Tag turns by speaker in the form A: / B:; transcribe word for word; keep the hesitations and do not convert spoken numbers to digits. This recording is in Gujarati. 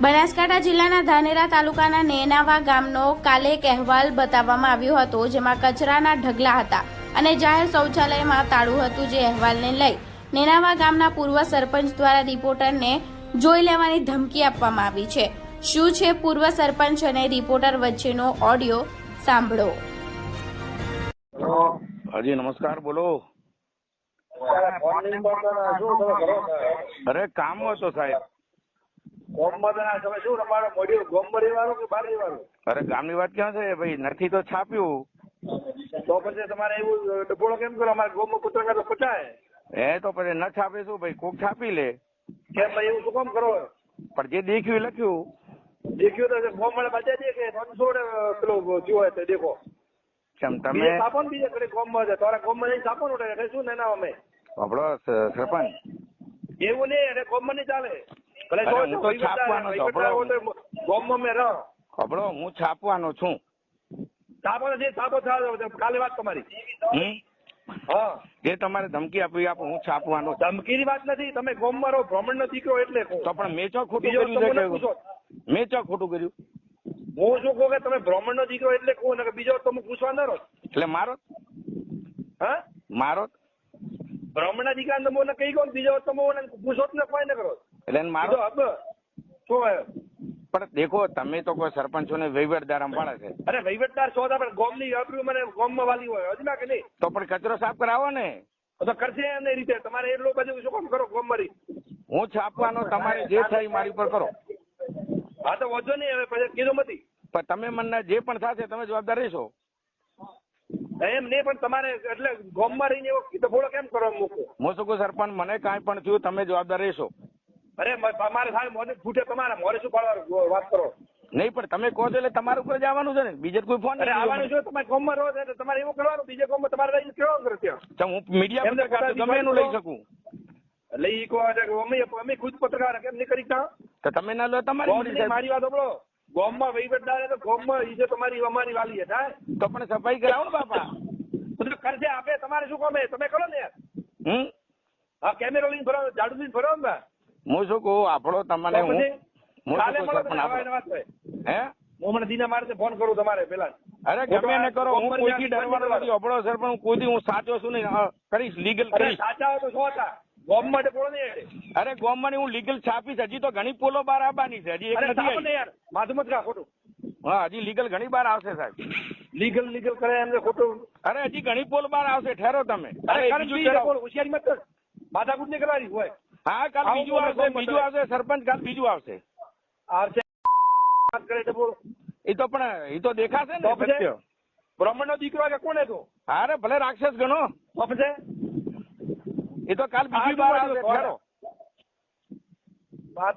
A: બનાસકાંઠા જિલ્લાના ધાનેરા તાલુકાના નેનાવા ગામનો કાલે એક અહેવાલ બતાવવામાં આવ્યો હતો, જેમાં કચરાના ઢગલા હતા અને જાહેર શૌચાલયમાં તાળું હતું. જે અહેવાલને લઈ નેનાવા ગામના પૂર્વ સરપંચ દ્વારા રિપોર્ટરને જોઈ લેવાની ધમકી આપવામાં આવી છે. શું છે પૂર્વ સરપંચ અને રિપોર્ટર વચ્ચેનો ઓડિયો? સાંભળો.
B: હાજી નમસ્કાર, બોલો. અરે કામ હતો સાહેબ. અરે ગામની વાત ક્યાં છે ભાઈ, નથી તો છાપ્યું
C: તો પછી તમારે એવું ડબોળો કેમ કરો? અમારે ગોમમાં પુત્ર તો પચાય
B: એ તો પછી ન છાપે શું ભાઈ, કોક છાપી લે.
C: કેમ ભાઈ એવું શું કામ કરો?
B: પણ જે દેખ્યું એ લખ્યું.
C: દેખ્યું તો ગોમ વાળા બચા દે કે ત્રણસો પેલો જોવે તો દેખો
B: કેમ તમે
C: છાપો ને બીજે ઘરે ગોમમાં છે તારા ગોમમાં જઈને છાપો ને શું ને ના અમે
B: આપણો સરપંચ
C: એવું નહીં એટલે ગોમમાં નહીં ચાલે. ભલે
B: હું તો છાપવાનો છું.
C: ગોમમાં મેં રહો
B: ખબરો હું છાપવાનો છું.
C: છાપો જે છાપો કાલે વાત તમારી.
B: હમ
C: હા
B: જે તમારે ધમકી આપી આપો, હું છાપવાનો.
C: ધમકીની વાત નથી, તમે ગોમમાં રહો, બ્રાહ્મણ નો દીકરો એટલે
B: તો પણ મેં ચો ખોટું કર્યું છે? મેં ચો ખોટું કર્યું?
C: હું શું કહું કે તમે બ્રાહ્મણ નો દીકરો એટલે કહું ને બીજો તમે પૂછવા ના રહો
B: એટલે મારો
C: હા
B: મારો
C: બ્રાહ્મણ ના દીકરા તમે કઈ કહો બીજો તમે પૂછો જ ને કોઈ ને કરો
B: એટલે મારો
C: હબ શું?
B: પણ દેખો તમે તો કોઈ સરપંચો ને વહીવટદાર સંભાળે છે.
C: અરે વહીવટદાર છો પણ ગોમ ની આબરૂ મને ગોમ માં વાલી હોય હજુ ના કે નહીં?
B: તો પણ કચરો સાફ કરાવો ને.
C: તો કરશે એ રીતે તમારે એટલું બધું શું કામ કરો ગોમ મારી?
B: હું છાપવાનો, તમારે જે થાય મારી પર કરો.
C: હા તો વધુ નહીં, હવે પછી કીધું નથી.
B: પણ તમે મને જે પણ થશે તમે જવાબદાર રહેશો.
C: એમ નહીં પણ તમારે એટલે ગોમ માં રહીને એવો ડબોળો કેમ કરવા મૂકો?
B: હું શું કહું સરપંચ, મને કાંઈ પણ થયું તમે જવાબદાર રહેશો.
C: અરે તમારે સાહેબ મોઢે ફૂટે તમારે મોરે શું પાડવાનું વાત કરો?
B: નહીં પણ તમે કહો છો એટલે તમારા ઉપર જ આવવાનું છે ને, બીજે કોઈ ફોન
C: અરે આવવાનું છે. તમારે ગોમમાં રહો એટલે તમારે એવું કરવાનું, બીજે ગોમમાં તમારે રહીને કેવું કરે ત્યાં
B: હું મીડિયા પત્રકાર છું, તમે એનું લઈ શકું.
C: એટલે ઈ કહો અમે અમે ખુદ પત્રકાર કેમ નહીં કરી શકતા?
B: તો તમે ના લો તમારી
C: મારી વાત સાંભળો. ગોમમાં વહીવટદાર તો ગોમમાં ઈ જે તમારી અમારી વાલી છે થાય
B: તો પણ સફાઈ કરાવો ને બાપા.
C: બધું કરશે આપે, તમારે શું કામ? તમે કરો ને યાર.
B: હમ
C: હા કેમેરો લઈને ફરો, ઝાડુ લઈને ફરો ને.
B: હું શું કહું આપણો તમને હું
C: કાલે મળો વાત હોય
B: હે
C: હું મને દીના મારે ફોન કરું તમારે પેલા.
B: અરે ગમે ને કરો, હું કોઈથી ડરવાનો નથી. આપણો સર પણ હું કોઈથી હું સાચો છું નહીં, કરીશ લીગલ કરીશ.
C: સાચા હોય તો શું હતા ગોમ માટે બોલો નહીં.
B: અરે ગોમમાં હું લીગલ છાપીશ. હજી તો ઘણી પોલો બહાર આવવાની છે, હજી એક નથી આવી.
C: યાર માથું મત ખા ખોટું.
B: હા હજી લીગલ ઘણી બાર આવશે સાહેબ.
C: લીગલ લીગલ કરે એમને ખોટું.
B: અરે હજી ઘણી પોલ બાર આવશે, ઠેરો તમે.
C: હોશિયારી મત કર, માથાકૂટ નહીં કરવાની હોય.
B: હા કાલ બીજું આવશે, બીજું આવશે સરપંચ, કાલ બીજું આવશે.
C: આવશે વાત કરે તો બોલો.
B: એ તો પણ એ તો દેખાશે ને સત્ય.
C: બ્રાહ્મણ નો દીકરો કે કોને તો?
B: અરે ભલે રાક્ષસ ગણો
C: તો પછી
B: એ તો કાલ બીજી બાર આવશે, ઠેરો.